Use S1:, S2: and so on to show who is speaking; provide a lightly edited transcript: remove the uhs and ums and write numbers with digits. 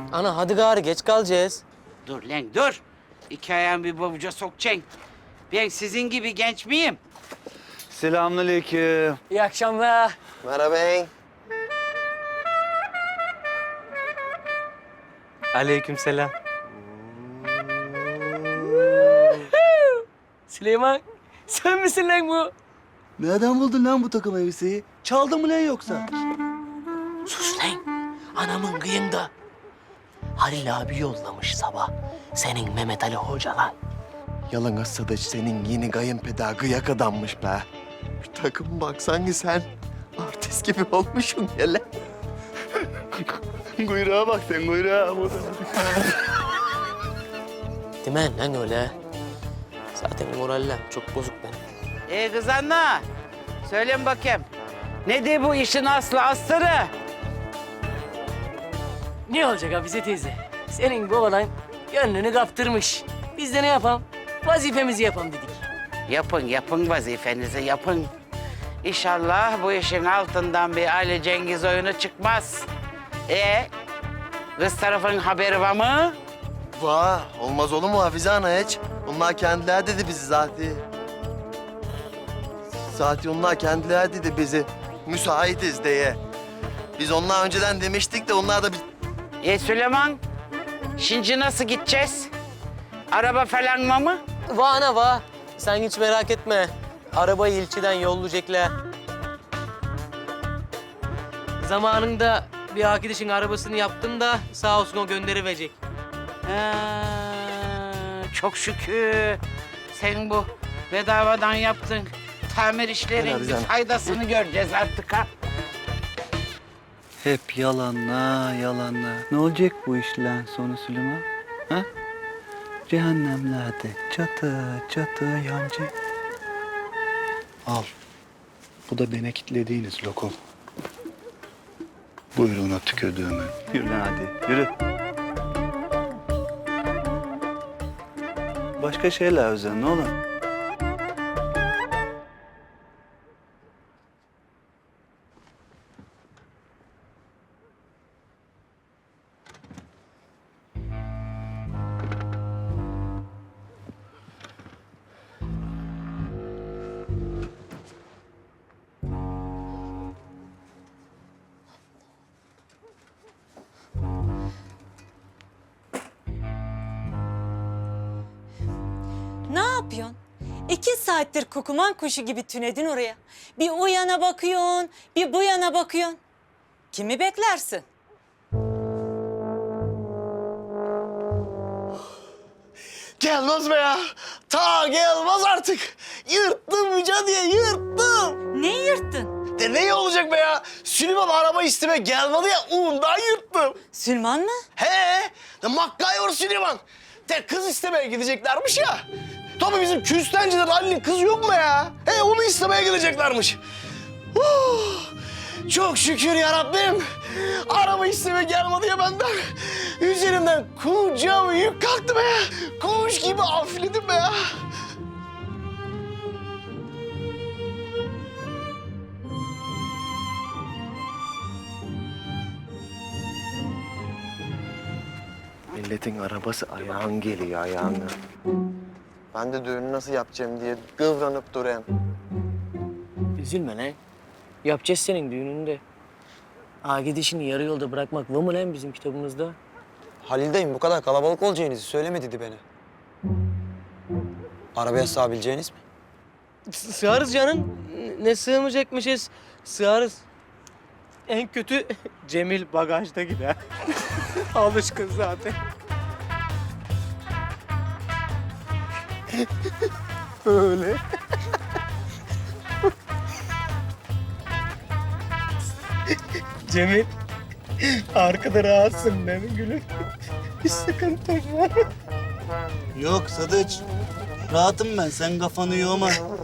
S1: Ana hadi gari geç kalacağız.
S2: Dur lan dur. İki ayağın bir babuca sokacaksın. Ben sizin gibi genç miyim?
S3: Selamünaleyküm.
S1: İyi akşamlar.
S4: Merhaba.
S1: Aleykümselam. Süleyman, sen misin lan bu?
S3: Nereden buldun lan bu takım elbiseyi? Çaldın mı lan yoksa?
S1: Sus lan, anamın kıyında. Halil abi yollamış sabah. Senin Mehmet Ali Hoca lan.
S4: Yalın Sadıç senin yeni kayınpeder gıyak adammış be. Şu takım bak sanki sen artist gibi olmuşsun ya lan.
S3: Kuyruğa bak sen kuyruğa.
S1: Değil mi lan öyle? Zaten moraller çok bozuk benim.
S2: Kız anne. Söyleyin bakayım. Nedir bu işin aslı astarı?
S1: Ne olacak Hafize teyze? Senin babadan gönlünü kaptırmış. Biz de ne yapalım? Vazifemizi yapalım dedik.
S2: Yapın vazifenizi yapın. İnşallah bu işin altından bir Ali Cengiz oyunu çıkmaz. Kız tarafın haberi var mı?
S4: Vah olmaz olur mu Hafize Ana hiç? Onlar kendiler dedi bizi zaten. Zaten onlar kendiler dedi bizi. Müsaitiz diye. Biz onlar önceden demiştik de onlar da bir...
S2: Süleyman, şimdi nasıl gideceğiz? Araba falan var mı?
S1: Va ana va. Sen hiç merak etme. Arabayı ilçeden yollayacaklar. Zamanında bir arkadaşın arabasını yaptım da sağ olsun o gönderiverecek.
S2: Çok şükür. Sen bu bedavadan yaptın. Tamir işlerin bir faydasını göreceğiz artık ha.
S3: Hep yalanla yalanla. Ne olacak bu işlerin sonu Süleyman? Ha? Cehennemlerde çatı çatı yancı. Al. Bu da beni kitlediğiniz lokum. Buyruğuna tükürdüğümü. Yürü lan hadi, yürü. Başka şeyler özen, ne olur?
S5: Ne yapıyorsun? 2 saattir kukuman kuşu gibi tünedin oraya. Bir o yana bakıyorsun, bir bu yana bakıyorsun. Kimi beklersin?
S4: Gelmez be ya. Ta gelmez artık. Yırttım Müca diye yırttım.
S5: Ne yırttın?
S4: De ne olacak be ya? Süleyman araba isteme gelmedi ya ondan yırttım.
S5: Süleyman mı?
S4: He, de MacGyver Süleyman. De kız istemeye gideceklermiş ya. Tabii bizim küstenciden Ali'nin kızı yok mu ya? He, onu istemeye gideceklermiş. Çok şükür ya Rabbim. Araba istemeye gelmedi ya benden. Üzerimden kocaman yük kalktı be. Kuş gibi hafifledim be ya. Milletin arabası ayağın geliyor ayağına. Ben de düğünü nasıl yapacağım diye kıvranıp duruyorum.
S1: Üzülme lan. Yapacağız senin düğününde. Ağa gidişini yarı yolda bırakmak var mı lan bizim kitabımızda?
S6: Halil dayım bu kadar kalabalık olacağınızı söylemedi dedi beni. Arabaya sığabileceğiniz mi?
S1: Sığarız canım. Ne sığmayacakmışız? Sığarız. En kötü Cemil bagajda gider. Alışkın zaten. Öyle. Cemil, arkada rahatsın değil mi gülüm? Bir sıkıntın var.
S3: Yok Sadıç. Rahatım ben, sen kafanı yorma.